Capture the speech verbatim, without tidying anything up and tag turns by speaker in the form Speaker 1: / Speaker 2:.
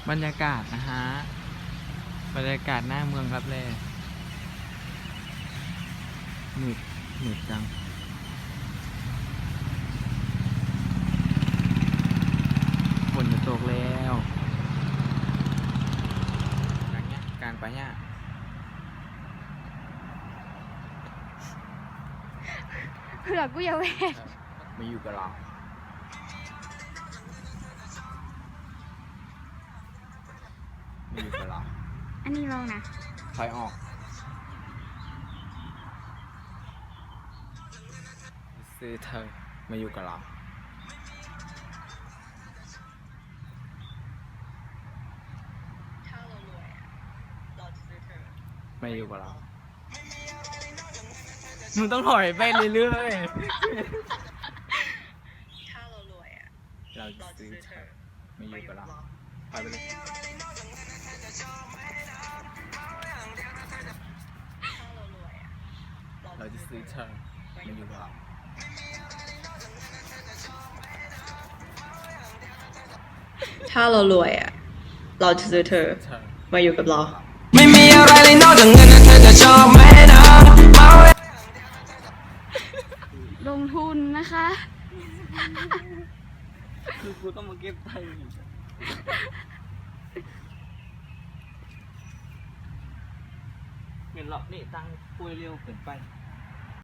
Speaker 1: บรรยากาศนะฮะบรรยากาศหน้าเมืองครับเลยหนืดหนืดจังฝนจะตกแล้วกลางเนี้ยกลางไปเนี่ย
Speaker 2: เผื่อกูอย่าเวท
Speaker 1: มาอยู่กับเรามาอยู่กับเรา
Speaker 2: อันนี้ลองนะ
Speaker 1: ถอยออกซื้อเธอมาอยู่กับเรามาอยู่กับเรามึงต้องถอยไปเรื่อยๆถ้าเรารวยอ่ะเราจะซื้อเธอมาอยู่กับเราถอยไปเลยเราจะซื้อเธอมาอยู่กับเรา
Speaker 3: ถ้าเรารวยอ่ะเราจะซื้อเธอมาอยู่กับเรา
Speaker 4: ไม่มีอะไรเลยนอกจากเงินเธอจะชอบไหมนะ
Speaker 2: ลงทุนนะคะ
Speaker 1: คือกูต้องมาเก็บไทยเงินหลอกนี่ตังคุยเร็วเกินไป